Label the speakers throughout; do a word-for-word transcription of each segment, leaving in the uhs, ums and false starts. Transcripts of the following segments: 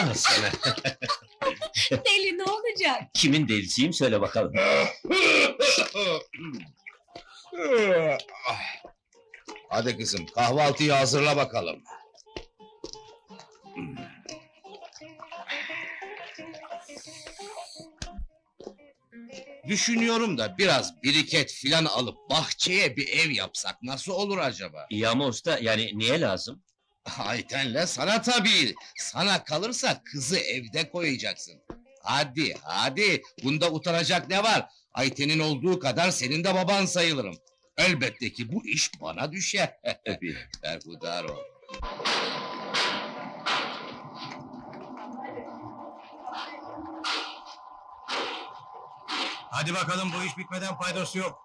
Speaker 1: Al sana.
Speaker 2: Deli ne olacak?
Speaker 1: Kimin delisiyim söyle bakalım.
Speaker 3: Hadi kızım, kahvaltıyı hazırla bakalım. Düşünüyorum da biraz biriket filan alıp bahçeye bir ev yapsak nasıl olur acaba?
Speaker 1: İyi ama usta, yani niye lazım?
Speaker 3: Ayten'le sana tabii. Sana kalırsa kızı evde koyacaksın. Hadi, hadi. Bunda utanacak ne var? Ayten'in olduğu kadar senin de baban sayılırım. Elbette ki bu iş bana düşer.
Speaker 1: Tabii.
Speaker 3: Berhudar ol.
Speaker 4: Hadi bakalım, bu iş bitmeden faydası yok.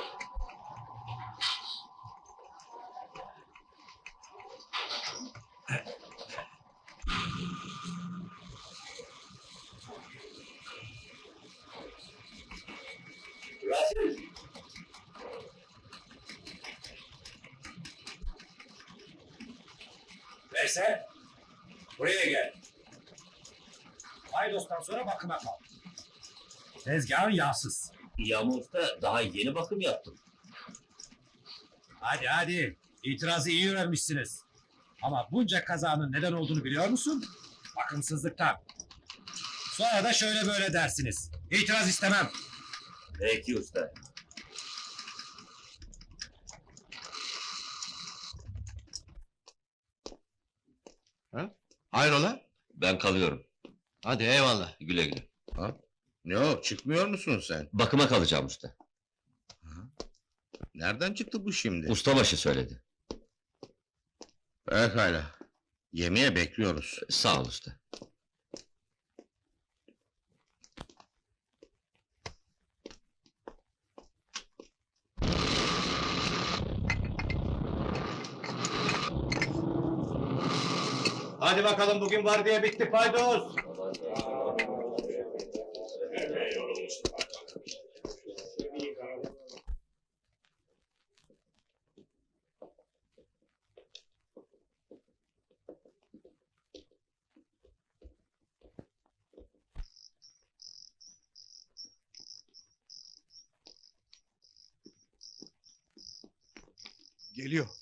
Speaker 4: Veysel, buraya gel. Paydos'tan sonra bakıma kal. Tezgahın yağsız.
Speaker 1: İyi ama usta, daha yeni bakım yaptım.
Speaker 4: Hadi hadi, itirazı iyi öğrenmişsiniz. Ama bunca kazanın neden olduğunu biliyor musun? Bakımsızlıktan. Sonra da şöyle böyle dersiniz. İtiraz istemem.
Speaker 1: Peki usta.
Speaker 3: Hayrola?
Speaker 1: Ben kalıyorum.
Speaker 3: Hadi eyvallah.
Speaker 1: Güle güle.
Speaker 3: Ha? Ne o, çıkmıyor musun sen?
Speaker 1: Bakıma kalacağım usta.
Speaker 3: Nereden çıktı bu şimdi?
Speaker 1: Ustabaşı söyledi.
Speaker 3: Pekala. Yemeğe bekliyoruz.
Speaker 1: Sağ ol usta.
Speaker 4: Hadi bakalım, bugün var diye bitti Paydos.
Speaker 3: Geliyor.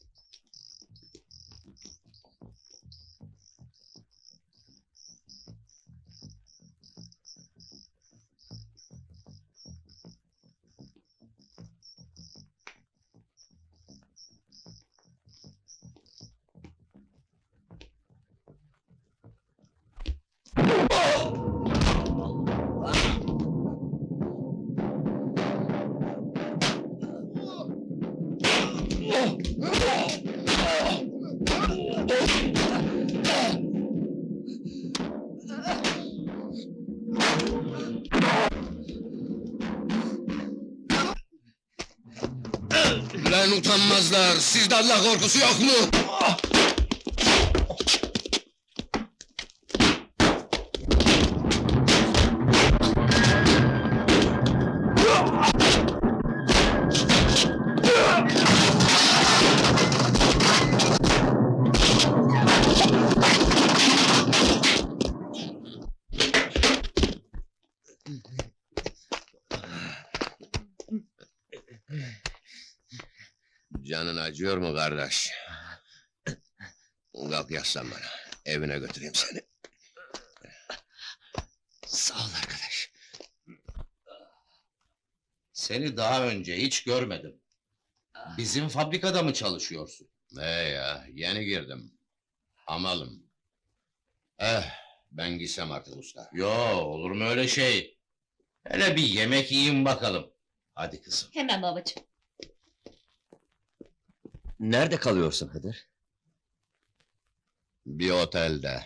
Speaker 3: Lan utanmazlar, sizde Allah korkusu yok mu? Canın acıyor mu kardeş? Kalk yaslan bana, evine götüreyim seni.
Speaker 1: Sağ ol arkadaş.
Speaker 3: Seni daha önce hiç görmedim. Bizim fabrikada mı çalışıyorsun? He ya, yeni girdim. Amalım. Eh, ben gitsem artık usta. Yo, olur mu öyle şey? Hele bir yemek yiyin bakalım. Hadi kızım.
Speaker 2: Hemen babacığım.
Speaker 1: Nerede kalıyorsun Hıdır?
Speaker 3: Bir otelde.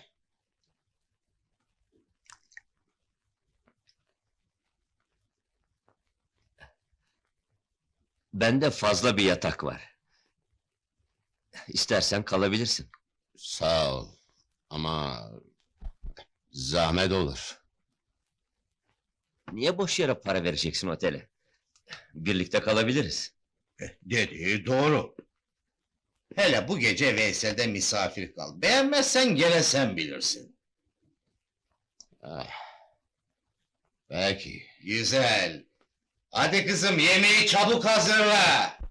Speaker 1: Bende fazla bir yatak var. İstersen kalabilirsin.
Speaker 3: Sağ ol. Ama... zahmet olur.
Speaker 1: Niye boş yere para vereceksin otele? Birlikte kalabiliriz.
Speaker 3: Dediği doğru. Hele bu gece Veysel'de misafir kal. Beğenmezsen gene sen bilirsin. Ah. Peki, güzel. Hadi kızım, yemeği çabuk hazırla.